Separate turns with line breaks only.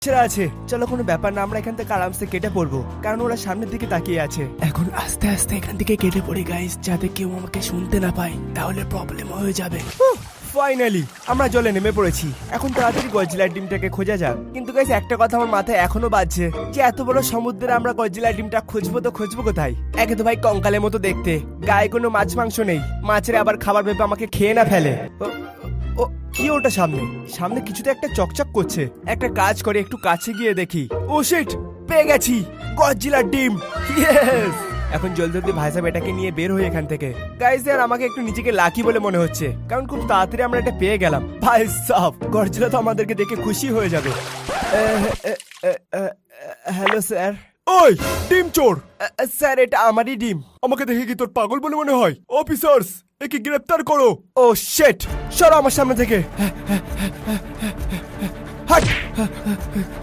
আছে, চলো কোনো ব্যাপার না, আমরা এখান থেকে আরামসে কেটে পড়বো, কারণ ওরা সামনের দিকে তাকিয়ে আছে। এখন আস্তে আস্তে এখান থেকে কেটে পড়ি গাইস, যাতে কেউ আমাকে শুনতে না পায়, তাহলে প্রবলেম হয়ে যাবে। ফাইনালি আমরা জলে নেমে পড়েছি। এখন তাড়াতাড়ি গডজিলার ডিমটাকে খোঁজা যাক। কিন্তু গাইস একটা কথা আমার মাথায় এখনো বাজছে, যে এত বড় সমুদ্রে আমরা গডজিলার ডিমটা খুঁজবো তো খুঁজবো কোথায়? একে তো ভাই কঙ্কালের মতো দেখতে, গায়ে কোনো মাছ মাংস নেই, মাছের আবার খাবার ভেবে আমাকে খেয়ে না ফেলে। ও কি ওটা সামনে সামনে কিছুতে একটা চকচক করছে। একটা কাজ করে একটু কাছে গিয়ে দেখি। ও শিট, পেয়ে গেছি গডজিলার ডিম। ইয়েস! এখন জলদি জলদি ভাই সাহেব এটাকে নিয়ে বের হই এখান থেকে। গাইস আর আমাকে একটু নিজেকে লাকি বলে মনে হচ্ছে, কারণ খুব তাড়াতাড়ি আমরা এটা পেয়ে গেলাম। ভাই সাহেব গডজিলা তো আমাদেরকে দেখে খুশি হয়ে যাবে। Hello sir. ওই ডিম চোর! স্যার এটা আমারই ডিম। আমাকে দেখে কি তোর পাগল বলে মনে হয়? অফিসার্স একে গ্রেফতার করো। ও শিট, সরো আমার সামনে থেকে। হাট!